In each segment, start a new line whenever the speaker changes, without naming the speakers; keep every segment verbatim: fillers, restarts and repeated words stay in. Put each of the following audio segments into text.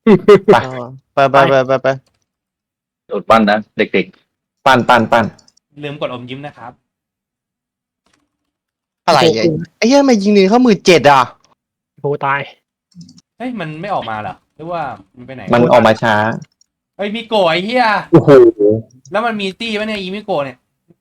ไป
อ๋อไปไปไปไปไป
โดดปั้นนะเด็ก
ปั้นปั้นปั้น
ลืมกดอมยิ้มนะครับ
อะไรอ่ะไอ้เหี้ยทำไมยิงนี่เข้ามือเจ็ดอ่ะ
โหตาย
เฮ้ยมันไม่ออกมาเหรอหรือว่ามันไปไหน
มันออกมาช้า
เฮ้ยมิโกะไอ้เหี้ย
โอ้โห
แล้วมันมีตี้ปะเนี่ยอีมิโกะเนี่ย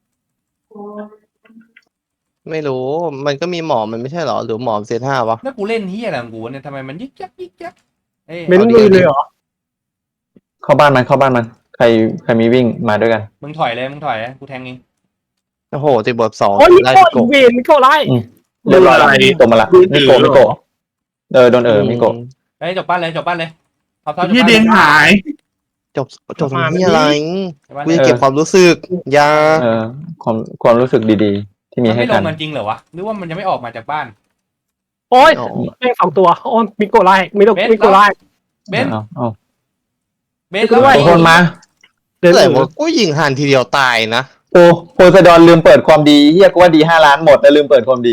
ไม่รู้มันก็มีหมอมันไม่ใช่เหรอหรือหมอเซตห้าวะ
แล้วกูเล่นเหี้ยอะไรของกูเนี่ยทำไมมันยึกยักยึกยักเอ้ย
เม้นมือเลยเหรอ
เข้าบ้านมันเข้าบ้านมันใครใครมีวิ่งมาด้วยกัน
มึงถอยเลยมึงถอยเลยกูแทงเอง
โอ้โหติดบทสอง
โอ้ยมิ
ไล่
โก้
โก
อีเวนมิโก้ไล่
เรียบร้อยแล้วมิโกะมาละมิโกะมิโกะเออโดนเออมิโกะ
เฮ้ยจบปั้นเลยจบปั้นเลยเอาเท่าจบ
ยี่
ปั้น
เด้งหาย
จบจบตรงนี้อะไร
จบปั้น
กู
เลย
จะเก็บความรู้สึกอยา
เออความความรู้สึกดีๆ ที่มี
มัน
ให้
ไม่ล
กั
ง
น
กันจริงเหรอวะหรือว่ามันยังไม่ออกมาจากบ้าน
โอ้ย
อ๋อ
แม่งสองตัวโอ้ยมิโก้ไล่มิโก้
เบส
มิโก้ไล่
เบน
เอาเอา
เบนแล้ว
ด้วย
ทุกคนมา
เดิน
แต่
หนี
ว่ากูยิงหันทีเดียวตายนะ
โอ้โพไซดอนลืมเปิดความดีเฮียก็ว่าดีห้าล้านหมดแล้วลืมเปิดความดี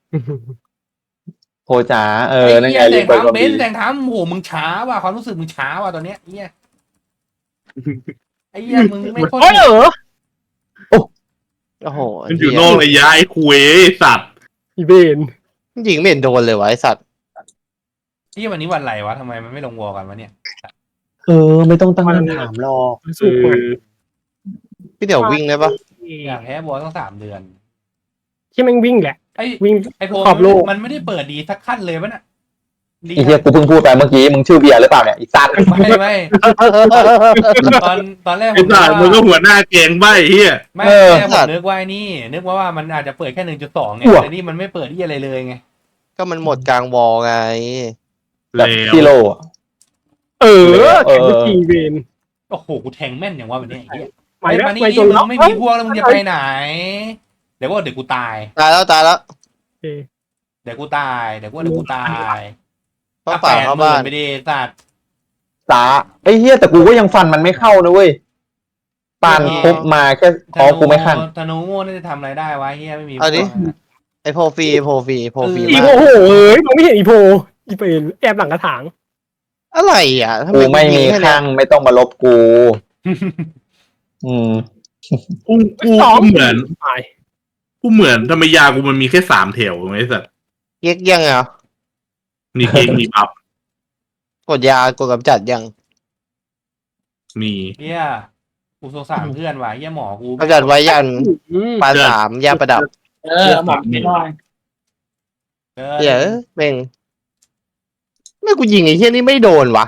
โพจ๋าเออนั่นไง
ไอ้
ลื
เหี้ย
มเปิดความ
เบ
ดี
นแต่งทำโหมึงช้าว่ะความรู้สึกมึงช้าว่ะตอนเนี้ยเหี้ยไอ้เหี้ยมึงไม่โคตร
โอ้ยเออ
โอ้โห
มันอยู่นอกระยะไอ้คุยสัตว์
อีเวน
ยิงไม่เห็นโดนเลยวะไอ้สัตว์
เหี้ยวันนี้วันอะไรวะทำไมมันไม่ลงวอลกันวะเนี่ย
เออไม่ต้องตั้งคำถามหรอก
สู้กว่า
พี่เดี๋ยววิ่งได้ปะ
อยากแพ้วอลต้องสามเดือน
ที่แม่งวิ่งแหละ
ไอ้
วิ่ง
ไอ้โพ
ขอบโลก
มันไม่ได้เปิดดีสักขั้นเลยปะน่ะดี
ไอ้เฮียกูเพิ่งพูดไปเมื่อกี้มึงชื่อเบียร์หรือเปล่าเนี่ยไอ้สัตว์
ไม่ไม่ตอนตอนแรกผ
ไอ้
ม
สัตว์มึงก็หัวหน้าเกงใบเฮีย
ไม่
เออ
แค่ผมนึกว่าไอ้นี่ นึกว่าว่ามันอาจจะเปิดแค่หนึ่งจุดสองไง
อ้วก
แต่นี่มันไม่เปิดที่อะไรเลยไง
ก็มันหมดกลางวอลไง
แบบ
แล้ว
กิโลอะ
เออ
เออ
แข่งกับทีเวน
โอ้โหกูแทงแม่นอย่างว่าวันนี้ไอ้เหี้ย
ไปแล้ว
มานี่
ไปจ
มึ
น
ง
แล้ว
ไม่มีพวกแล้วมึงจะไปไหน เดี๋ยวว่าเดี๋ยวกูตาย
ตายแล้วตายแล้ว
โอเค
เดี๋ยวกูตายเดี๋ยวว่าเดี๋ยวกูตาย
เพราะป่าเข้าบ้าน
ไม่ได้สัตว์
สาไอ้เฮียแต่กูก็ยังฟันมันไม่เข้านะเว้ยปานพบมาแค่คอกูไม่ขั้น
ธนูโง่น่าจะทำอะไรได้วะเฮียไม่มี
เอาดิ
พวกนะ
ไอโพฟรีโพฟรีโพฟรี
อี
มา
โพ
ก
โหเอ้ยมองไม่เห็นอีโพอีเวนแอบหลังกระถาง
อะไรอ่ะทำ
กู
ไม
ไม่มี
ยิงแค่เนี้
ข้าย งไม่ต้องมาลบกู อืม
กูกู
สอง
กูเหมือน
ตาย
กูเหมือนทำไมยากูมันมีแค่สามแถวไอ้สัตว์
เย็กยังอ่ะ
มีเกงมีบัฟ
กดยากดกำจัดยัง
มี
เฮียกูสงสารเพื่อนว่ะเฮียหมอกู
กำจัดไว้ยัน
อืม
ปานสามยาประดับ
เออหมักไม่ได้
เออ
เดี๋ยวเม่งไม่กูยิงไอ้เหี้ยนี่ไม่โดนวะ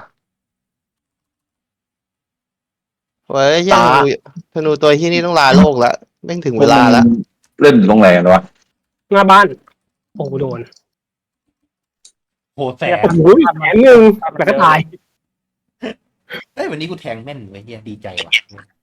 เว้ยเหี้ยธนูธนูตัวเหี้ยนี่ต้องลาโลกแล้วแม่งถึงเวลาแล้ว
เล่นอยู่ตรงไหนกันวะ
หน้าบ้านโอ้โหโดน
โหแสบ
โอ้โหแขนหนึ่งแล้วก็ตาย
เฮ้ยวันนี้กูแทงแม่นเว้ยเฮียดีใจว่ะ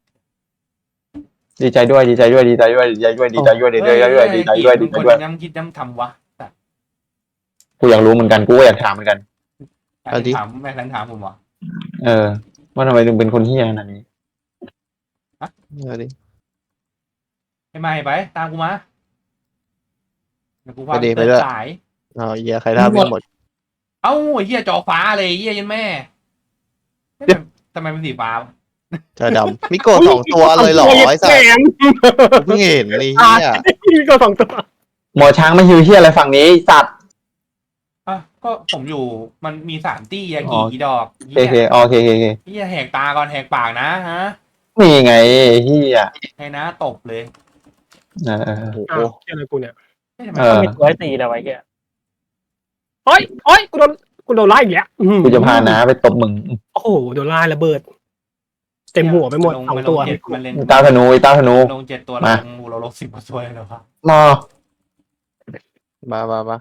ดีใจด้วยดีใจด้วยดีใจด้วยดีใจด้วยดีใจด้วยดีใจด้วยดีใจด้วยดีใจ
เฮ้
ด้วย
มึงกย้ำคิดย้ำทำวะสัตว์
กูอยากรู้เหมือนกันกูก็อยากถามเหมือนกัน
เอาดิ
ถามแม่ทันถามผมวะ
เออว่าทำไมถึงเป็นคนเฮี้ยขนาดนี้
เอาดิ
ไอ้ไม่ไปตามกูมาเดี๋ยวกูพา
ไปดิ
ไป
ไป
เติ
ด้วย
สาย
เอาเหี้ยใครท่าไม่หมด
เอ้าไอ้เฮียจอฟ้าเลยเฮียยันแม่เฮ้ยทำไมเป็นสีฟ้าวะ
เธอดำมิโกะสองตัวเลยเหรอไอ้สัส
แขน
เพิ่งเห็นไอ้
ตา
เหี้
ย
ย
มีก็สองตัว
หมอช้างไม่ฮิวเฮี้ยอะไรฝั่งนี้สัตว์
อ่ะก็ผมอยู่มันมีสามตี้ยา
อ๋
กี่
อ
กี่ดอก
โอเคโอเคโอเคโอเค
เฮียแหกตาก่อนแหกปากนะฮะ
นี่ไงเฮี้ย
ให้นะตบเลย
เออเออ
โอ้โห
อ้าวเกี่ยวอะไรกูเนี่ย
เฮ้ยทำไม
เออ
มีตัวให้ตีนะไว้แกโอ้ยโอ้ยกูโดนกูโดนไล่อีกแล้วอื้อหือ
กูจะพาน้าไปตบมึง
โอ้โหโดนไล่ระเบิด เต็มหัวไปหมด
นลง
สอง
มันล
ตัว
เจ็ดมันเล่น
ตาธนูไอ้ตาธนู
ลงเจ็ดตัว
มา
ลงเราลงสิบกว่าตัวเลยเหรอครับ
มา
มามามา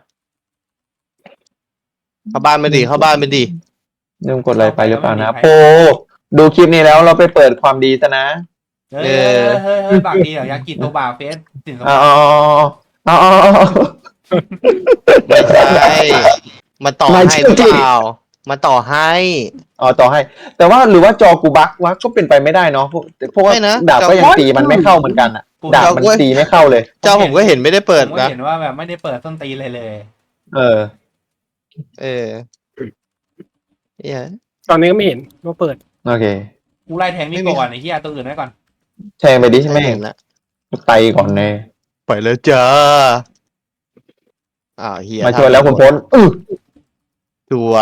เข้าบ้านไปดิเข้าบ้านไปดิ
ลืมกดอะไรไปหรือเปล่านะโปดูคลิปนี้แล้วเราไปเปิดความดีซะนะ
เฮ้ยเฮ้ยเฮ้ยเฮ้ยบากดีเหรอยากิตัวบากเฟสสินสม
เอาเอาเอาเอาเอา
ไม่ใช่มาต่อ
ไม่
ให้
ใช่
หรือเปล่ามาต่อให้
อ๋อต่อให้ แต่ว่าหรือว่าจอกูบักวะก็เป็นไปไม่ได้เนาะเพราะเพราะว่า
ไม่นะ
ดาบก็ยังตีมันไม่เข้าเหมือนกันอ่ะดาบมันตีไม่เข้าเลย
เจ้าผมก็เห็นไม่ได้เปิด
ผมก็
นะ
เห็นว่าแบบไม่ได้เปิดต้นตีนเลยเลย
เออ
เออเหี้ย
ตอนนี้ก็ไม่เห็นว่าเปิด
โอเค
กูไล่แทงนี่ก่อนไอ้เหี้ยตัวอื่นไว้ก่อน
แทงไปดิใช่ไหม
ไม่เห็นละ
ไตก่อนเลย
ไปแล้วจ้าอ้าวเฮีย
มาช่วยแล้วคุณพ้นอือ
สวย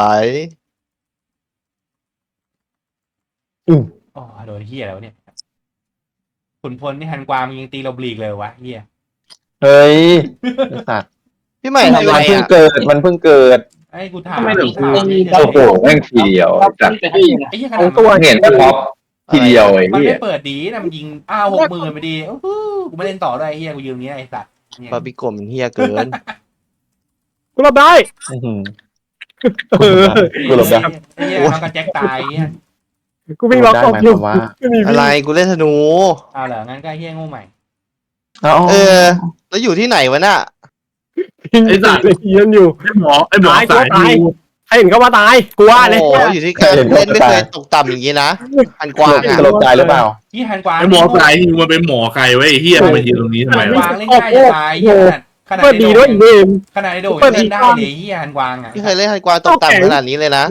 อือ
อ๋อโดนเหี้ยแล้วะเนี่ยขุนพลนี่ฮันกวางมึงยังตีเราบลีกเลยวะเหี้ย
เฮ้ยไอ้สัตว์
พี่ใหม่ทำไร
มันเพิ่ง
อ่ะ
เกิดมันเพิ่งเกิด
ไอ้กูถาม
ทำไมถึง
กูถาม
โอ้โหแม่งทีเดียวจัด
ไอ้เหี้ยข
สอ
นาด
งตัว
เห็นท็อปทีเดียวไอ้
มัน
เหี้
ไม่
ย
เปิดดีนะมันยิงอ้าวหกหมื่นไปดีโอ้โหกูไม่เล่นต่อด้วยไอ้เหี้ยกูยืมเนี้ยไอ้สัตว์เนี่ย
บาร์บีกมเฮียเกิน
กูรับได้
อื้อหือ
เออ
กูหลบได้
ไอ้เหี้ยน้องกับแจ็คตายไอ้เหี้ย
กูวิ่งล็อก
ได้
ออก
หมาย
อ
ค
ยู่
วามว่า
ไม่มี
อะไรกูเล่นธนู
เอาเหรองั้นก็ไอ้เหี้ยโง่ใหม่
เอ้า
เออ แล้วอยู่ที่ไหนวะน่ะ
วิ่งเลยเยียนอยู่
ไอ้หมอไอ้หมอ
ตายกู
สาย
ตาย
ดู
ให้เห็นก็ว่าตายกูว่าเลย
โอ้โหอยู่ที่การเล่นไม่เคยตกต่ำอย่างนี้นะอันกว้างอ่ะ
สลบตายหรือเปล่า
ยี่ฮันกวาง
ไอ้หมอสายดูมันเป็นหมอใครไว้ไอ้เหี้ยมันมายืนตรงนี้ทำไม
ฮันก
วะ
วางเล่นได้จะตายเหี้ยขนาด
เปิดดีด้วยอีเวม
ขนาดไอ้โดยังเล่นได้เลยเหี้ยฮันกวางอ่ะ
ไม่เคยเล่นอันกว้างตกต่ำขนาดนี้เลยนะ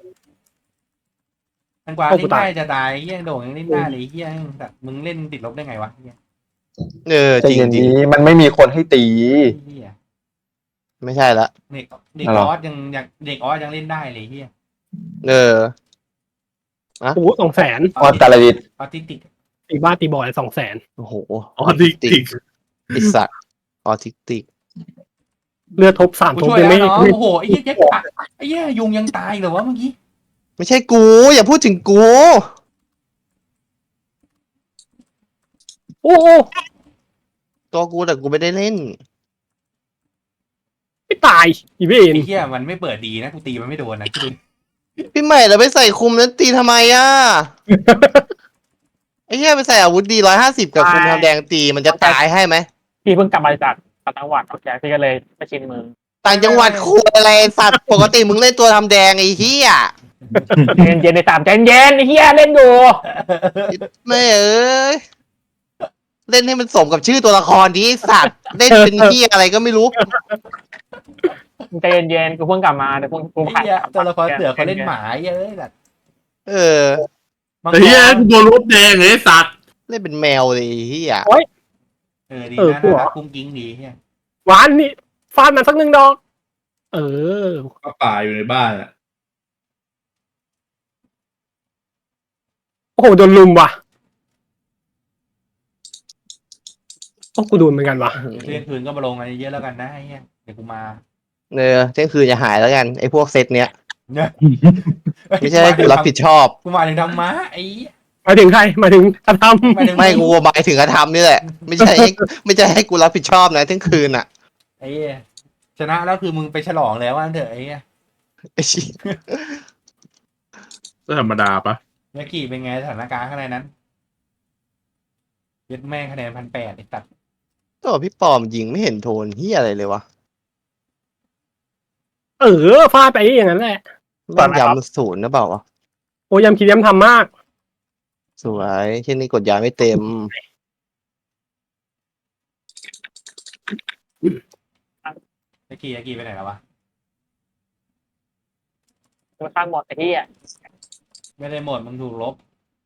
ฮันกวางเล่นได้จะตายเหี้ยโดยังเล่นได้เลยเหี้ยแบบมึงเล่นติดลบได้ไงวะเหี้ย
เออ
ใจ
จริง
เย็น
จริง
นี้มันไม่มีคนให้ตี
เหี้ย
ไม่ใช่ละ
เด็กเด็ก
อะไร
อ
หรอ
อสยังยังเด็กออสยังเล่นได้เลยเฮีย
เออ
โอ้โหสองแสน
ออสตาลดิต
ออทิสติก
ตีบ้าตีบอยสองแสน
โอ้โห
อ๋อทิกติก
ไอสัตว์ออทิสติก
เลือดทบสาม
กู
ทบ
ช่วย
ยัง
แล้ว
ไม่
เนาะ
ไม่
โอ้โหไอ้เหี้ยแจ็คปะไอ้เหี้ยยุงยังตายเหรอวะเมื่อกี้
ไม่ใช่กู อย่าพูดถึงกู
โอ้โห
ตัวกูแต่กูไม่ได้เล่น
ไม่ตายอีเว
ไอ้
น
เหี้ยมันไม่เปิดดีนะกูตีมันไม่โดนนะคิดดู
พี่ใหม่เราไปใส่คุมนั้นตีทำไมอ่ะ ไอ้เหี้ยไปใส่อาวุธดีร้อยห้าสิบกับคุมทำแดงตีมันจะตายให้ไหม
พี่เพิ่งกลับมาจากต่างจังหวัดโอเคพี่ก็เลยไปชินเมือง
ต่างจังหวัดคูอะไรสัตว์ปกติมึงเล่นตัวทำแดงไอ้เหี้ย
เย็นเย็นในสามใจเย็นไอ้เฮียเล่นอยู่
ไม่เอ้ยเล่นให้มันสมกับชื่อตัวละครดีไอ้สัตว์เล่นเป็นเหี้ยอะไรก็ไม่รู้
ใจเย็นๆกูเพิ่งกลับมาเดี๋ยวเพิ่งกู
ไอ้
ผ่าน
เหี้ยตัวละครเสือเขาเล่นหมาเยอะแบบ
เออ
มัง
ไอ้เหี้ยกูโดนรถแดงไอ้สัตว์
เล่นเป็นแมวเลยไอ้เหี้ย
เออดีนะน่ารักกุ้งกิ้งดีเหี้ย
หวานนี่ฟาดมันสักหนึ่งดอก เออ
ก็ป่าอยู่ในบ้านอ่ะ
โอ้โหโดนลุมว่ะโอ้กูโดนเหมือนกันว่ะ
เที่ยงคืนก็มาลงอะไรเยอะแล้วกันนะไอ้เหี้ยเดี๋ยวกูมา
เออเที่ยงคืนจะหายแล้วกันไอ้พวกเซตเนี้ย
เนี่ย
ไม่ใช่ให้กูรับผิดชอบ
กูมาถึงทำม้าไอ้เหี้ย
หมายถึงใครหมายถึงกระทำ
มาถึง
ไม่กูหมายถึงกระทำนี่แหละ ไม่ใช่ให้ไม่ใช่ให้กูรับผิดชอบนะเที่ยงคืนอ่ะ
ไอ้เหี้ยชนะแล้วคือมึงไปฉลองแล้วว่าเถอะไอ้เหี้ย
ไอ้เหี้ย
ก็ธรรมดาปะ
เมื่อกี้เป็นไงสถานการณ์ข้างในนั้นเย็ดแม่งคะแนนพันแปดไอ้ตัด
ตัวพี่ปอมยิงไม่เห็นโทนเหี้ยอะไรเลยวะ
เออฟาดไปอย่างนั้นแหละ
แม่งย้ำศูนย์นะเปล่าวะ
โอ้ยำคิดย้ำทำมาก
สวยเช่นนี้กดยาไม่เต็ม
เมื่อกี้เมื่อกี้ไปไหนแล้ววะ
มันข้างหมดไอ้ที่อ่ะ
ไม่ได้หมดมึงถูกลบ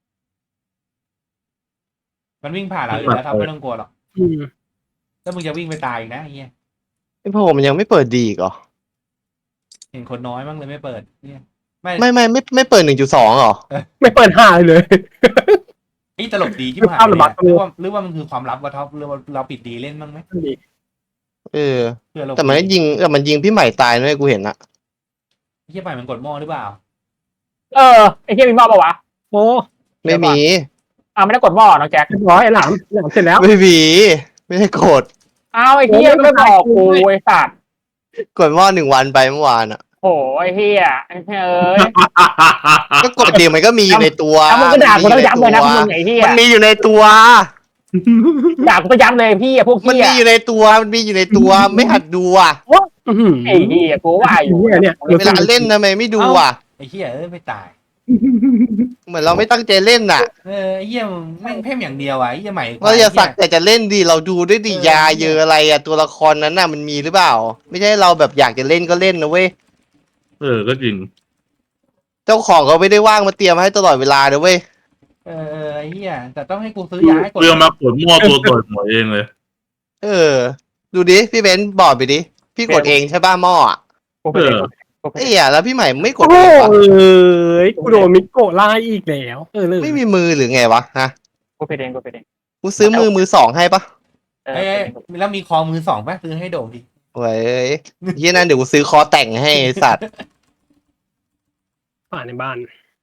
มันวิ่งผ่านเราอยู่แล้วครับไม่ต้องกลัวหรอก
อืม
แล้วมึงจะวิ่งไปตายอีกนะไอ้เหี้ย
ไอ้พอมันยังไม่เปิดดีอีกเหรอ
เห็นคนน้อยมั้งเลยไม่เปิดเนี่ยไม่
ไม่ไม่ไม่ไม่เปิดหนึ่งจุดสองหรอ
ไม่เปิดห่าเลย
ไอ้ตลกดีที่ผ่าน
ภาพระบาด
หรือว่าหรือว่ามันคือความลับวะท็อปหรือว่าเราปิดดีเล่นบ้างไหม
เออ
เพื่อเรา
แต่มันก็ยิงแต่มันยิงพี่ใหม่ตายด้วยกูเห็นอะ
ไอ้เหี้ยไปมันกดหม้อหรือเปล่า
เออไอ้เฮียมีหม้อปะวะโอ้
ไม่มี
อ่าไม่ได้กดหม้อน้องแจ็คเรียบร้อยไอ้หลามหลามเสร็จแล้ว
ไม่มีไม่ได้กด
อ้าวไอ้เฮียไม่บอกกูไอ้สัตว์
กดว่าหนึ่งวันไปเมื่อวานอะ
โอ้ไอ้เฮียไอ้เฮียเอ้ย
ก็กดเดียวมันก็มีอยู่ในตัว
แล้วมึงก็ด่ากูต้องย้ำเลยนะพวกมึงไอ้เฮีย
มันมีอยู่ในตัว
ด่ากูก็ย้ำเลยพี่อะพวก
มัน
เฮีย
มีอยู่ในตัวมันมีอยู่ในตัวไม่หัดดูอะ
ไอ้เฮียกูว่าอยู่เนี่ย
เวลาเล่นทำไมไม่ดูอะ
ไอ้เหี้ยเอ้ยไม่ตาย
เหมือนเราไม่ตั้งใจเล่นน่ะ
เออไอ้เหี้ยมึงแม่งเพ่มอย่างเดียวอ่ะไอ้เหี้ยใหม่
เราอย่าสักแต่จะเล่นดีเราดูด้วยดิยาเยอะอะไรอะตัวละครนั้นน่ะมันมีหรือเปล่า ไม่ใช่เราแบบอยากจะเล่นก็เล่นนะเว้ย
เออก็จริง
เจ้าของเขาไม่ได้ว่างมาเตรียมให้ตลอดเวลาเด้อเว้ย
เออเออไอ้เหี้ยแต่ต้องให้กูซื้อยาให้กด
เรื่องมากดมั่วตัวต่อยหมวยเองเลย
เออ ดูดิพี่เบนซ์บอกไปดิพี่กดเองใช่ป่ะหม้ออะ
กูไปเองกูไป
ไอ้
เอง
เหี้ยแล้วพี่ใหม่ไม่กด
โอ้
เองวะ
ยกูโดนมิโกะไล่อีกแล้วเออเลย
ไม่มีมือหรือไงวะฮะ
กูไปเองกูไปเอง
กูซื้อมือมือสองให้ปะ
เออ
เอ้ยเอ้ยแล้วมีคอมือสองป่ะซื้อให้โด่งดิ
เว้ยเฮียนั่นเดี๋ยวกูซื้อคอแต่งให้ไอ้สัตว์
ป่าในบ้าน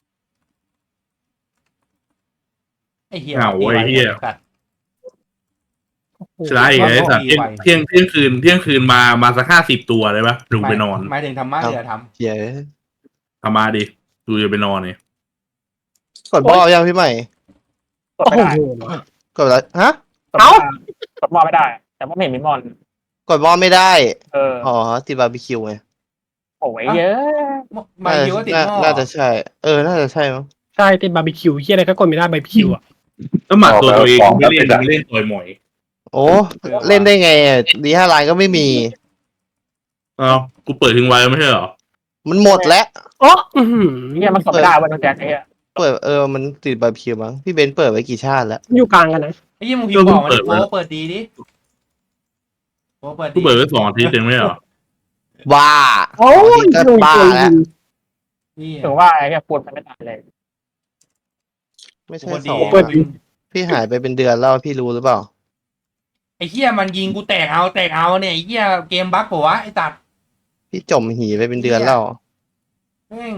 ไอ้เหี้ย
อ้าวไอ้เหี้ย
สัตว์
ใช่ไอ้สัตว์เที่ยงเที่ยงเที่ยงคืนเที่ยงคืนมามาสักห้าสิบตัวเลยปะดูไปนอน
หมายถึงทำมาเรือท
เฮีย
ทำมาดิดูจะไปนอนเนี่ย
กดบอลยังพี่ใหม่
กดไม่ได้
กดแล้วฮะ
เอ้ากดบอลไม่ได้ แต่ว่าไม่เห็นมิมอน
กดบอลไม่ได้
เออ
อ๋อติดบาร์บีคิวไง
โอ้ยเยอะ
ำมาคิวว่าติด
น่า
หม้อ
น่าจะใช่ เออ น่าจะใช่มั้ง
ใช่ติดบาร์บีคิวเฮียอะไรก็กดไม่ได้บาร์บีคิวอ่ะ
แล้วหมัดตัวตัวเองไม่เล่นไม่เล่นต่อยหมวย
โอ้เล่นได้ไงอะดีห้าล้านก็ไม่มี
เอ้ากูเปิดทิ้งไว้ไม่ใช่เหรอ
มันหมดแล้ว
โอ้เฮียมันกดไม่ได้วันนั้นแจ็คไอ้เฮีย
เปิดเออมันติดบาร์บีคิวมั้งพี่เบนซ์เปิดไว้กี่ชาติแล้ว
อยู่กลางกันนะ
ไอ้เหี้ยมึงพิมพ์บอกมาดิโอ้เปิดดีดิโอ้เปิด
กู
ดี
เปิดไว้สองอาทิตย์เองไม่ใช่เหรอ
ว้า
โอ้ย
ก็บ้าแล้ว
นี่
ถึงว่าไอ้เฮียปวดมันไม่ตายเลย
ไม่ใช่
เปิด
ส
ดี
อง
เปิดดี
พี่หายไปเป็นเดือนแล้วพี่รู้หรือเปล่า
ไอ้เหี้ยมันยิงกูแตกเอาแตกเอาเนี่ยไอ้เหี้ยเกมบั๊กปะวะไอ้ตัด
พี่จมหีไปเป็นเดือนแล้ว
แม่ง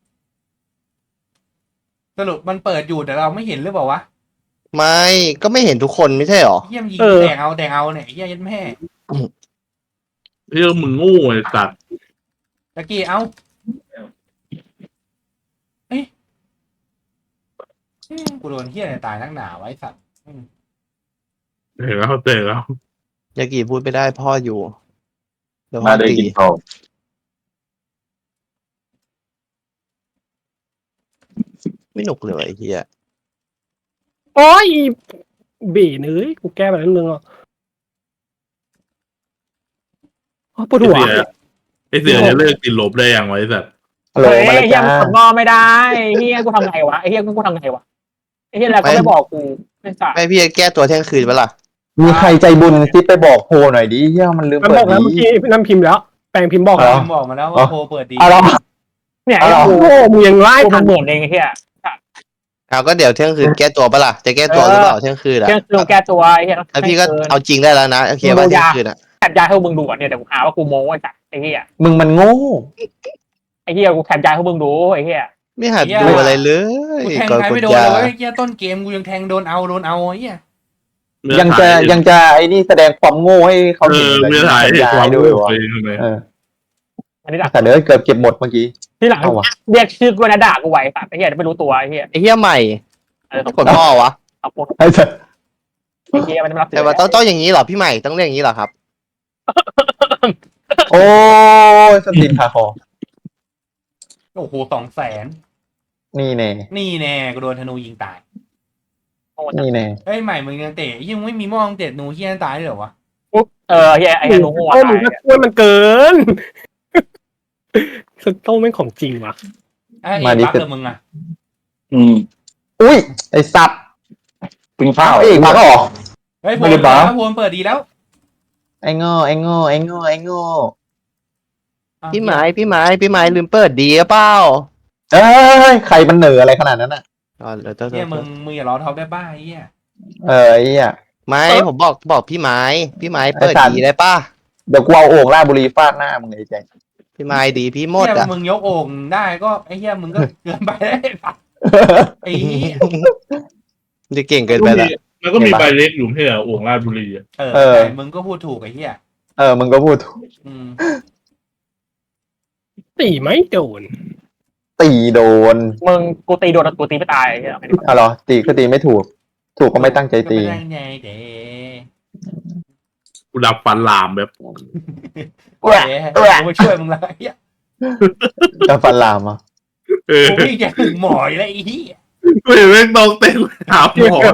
สรุปมันเปิดอยู่แต่เราไม่เห็นหรือเปล่าวะ
ไม่ก็ไม่เห็นทุกคนไม่ใช่หรอ
เหี้ยมนยิง
เออ
แตกเอาแตกเอาเนี่ยไอ้เหี้ยยันแม่
เรื่องมึงโง่ไอ้สัตว์
ตะกี้เอาเอ้ยกูโดนเหี้ยอะไรตายนักหนาไวะไอ้สัตว์
เห็นแล้วเจอแล้ว
ยากิพูดไม่ได้พ่ออยู่เดี๋ยวพ่
มา
อ
ได้
ตี
กินทอง
ไม่หนุกเลยไอ้เหี้ย
โอ้ยเบ๋เอ้ยกูแก้ไปแล้วนึงอ่ะอ๋อปวดหัว
ไอ้เสือจะเลิกติดลบได้ยังไงไอ้สัตว์
ฮัลโหล
เฮ้ย
มา
ไอ้
แล้ว
เฮีย
จ้า
มันกดงอไม่ได้เฮียกูทำไงวะไอ้เฮียกูทำไงวะไอ้เฮียแล้วก็ไม่บอกกูไม่จ่าย
ไม่พี่จะแก้ตัวเที่ยงคืนปะล่ะ
มีใครใจบุญซิไปบอกโพหน่อยดิเฮียมันลืม
มัน
เปิ
บ
ด
อกแล้ว
ดี
เมื่อกี้น้ำพิมพ์แล้ว แปลงพิมพ์บอก
อ๋
แล้
อ
ว
พิมพ์บอกมาแล้วว่าโพเปิดดี
เอาเหรอ
เนี่ย
เอา
ไอ้
เหรอ
กูมึงยังไล่
กู
ทั
มัน นเหมือนเองไอ้เหี้ย
เอาก็เดี๋ยวเที่ยงคืนแก้ตัวปะล่ะจะแก้ตัวหรือเปล่าเที่ยงคืนอะ
เที่ยงคืนแก้ตัวไอ้เหี้ย
แล้วพี่ก็เอาจริงได้แล้วนะโอเคว่าเที่ยงคืนอะ
แถบยาให้พวกมึงดูอ่ะเนี่ยเดี๋ยวกูหาว่ากูโม้ไอ้สัสไอ้เหี้ย
มึงมันโง่
ไอ้เหี้ยกูแถบยาให้พวกมึงดูไอ้เหี้ย
ไม่หัดดูอะไรเลย
กูแทง
ก่อน
ใคร
กด
ไม่โดน
ยา
เลยเว้ยเหี้ยต้นเกมกูยังแทงโดนเอาโดนเอาไอ้เหี้ย
ยังจะยังจะไอ้นี่แสดงความโง่ให้เขา
เอ
เห็น
อ
แบบ
เมื่อถ่าย
สัญ
เห็น
ญา
ความ
ด้
รู้
วยวะ
ตัวเองทำไม
เออ
อันนี้ด่า
แต่เดี๋ยวเกือบเก็บหมดเมื่อกี้
ที่หลัง
เอาวะ
เรียกชื่อกูนะด่ากูไว้สัสไอ้เหี้ยไม่รู้ตัวไอ้เหี้ย
ไอ้เหี้ยใหม่
เออก
ดพ่อวะ
เอาพวก
ไอ้สัส
ไอ้เหี้ยมันไม่รับ
แต่ว่าต้องต้องอย่างนี้เหรอพี่ใหม่ต้องเรียกอย่างนี้เหรอครับ
โอ้ยสตินขาคอ
โอ้โหสองแสน
นี่แน่
นี่แน่กูโดนธนูยิงตาย
นี่แน่
เฮ้ยใหม่มึงยังเตะยังไม่มีมองเตะหนูเฮียตายเลยเหรอวะ
เออเหี้ยไอ้เหี้ยหนูหัว
โอ้
ตา
มึง
ย
ก็ช่วยมันเกินสโต้ไม่งของจริงว่ะ
ไอ้เอ็บักเลยมึงอ่ะ
อืม
อุ้ยไอ้สัตว์
ปิงเป้า
เอกมาก็ออก
เฮ้ยโพ
ไม่
ล
ได้
เปิด
บั
แล้ว
ฟ
โพลเปิดดีแล้ว
ไอ้โง่ไอ้โง่ไอ้โง่ไอ้โง่
พี่ไม้พี่ไม้พี่ไม้ลืมเปิดดีหรือเปล่า
เอ้ยใครมันเหนืออะไรขนาดนั้นอ่ะ
อ๋อเดี๋ยวเดี๋ยว
เฮียมึงมึงอย่ารอท็อปได้บ้าไอ้เฮีย
เออไอ้เหี้ย
ไม่ผมบอกบอกพี่ไม้พี่ไม้เปิด
ไอ้สัตว์
ดีได้ป่ะ
เดี๋ยวกูเอาโอ่งราชบุรีฟาดหน้ามึงเลยไอ้แจ็ค
พี่ไม้ดีพี่หมด
เฮีย
อ่ะ
มึงยกโอ่งได้ก็ไอ้เฮียมึงก็เกินไปได้ไอ้เหี้ย
จะเก่งเกินไปละ
แล้วก็มีใบเล็กอยู่ที่อ่วงราชบุรีอ่ะ
เออ
เออ
ใช่มึงก็พูดถูกไอ้เฮีย
เออมึงก็พูดถูก
อืม
ตีไม่โดน
ตีโดน
มึงกูตีโดนกูตีไม่ตายไอ้เหี้ย
อ๋อเหรอตีก็ตีไม่ถูก ถูกก็ไม่ตั้งใจตี
ก็ไม่ได้ไงเด้
กูดับฟันลามแบบ
เด้กูมาช่วยมึงแล้วไอ้เฮีย
จะฟันลามอ่ะ
เออ
กูวิ่งจะถึงหมอยแล้วไอ้เฮีย
กูเห็นแม่งต้องเต้นหาหมอ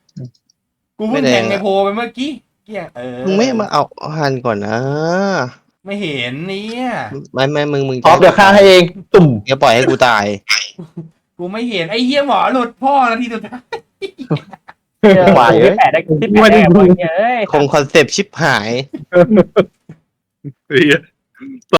กูเพิ่งแทงในโพลไปเมื่อกี้เฮียเออ
มึงไม่มาเอาหันก่อนนะ
ไม่เห็นเนี่ย
ไม่ไม่มึงมึง
ออฟเดี๋ยวฆ่าให้เอง ตุ่ม
อย่าปล่อยให้กูตาย
กูไม่เห็นไอ้เหี้ยหมอหลุดพ่อนาทีสุดท้าย
ไหว
ที่แปดได้ที่แปดได้บ่อยเอ้ย
คงคอนเซปต์ชิปหาย
เหี้ย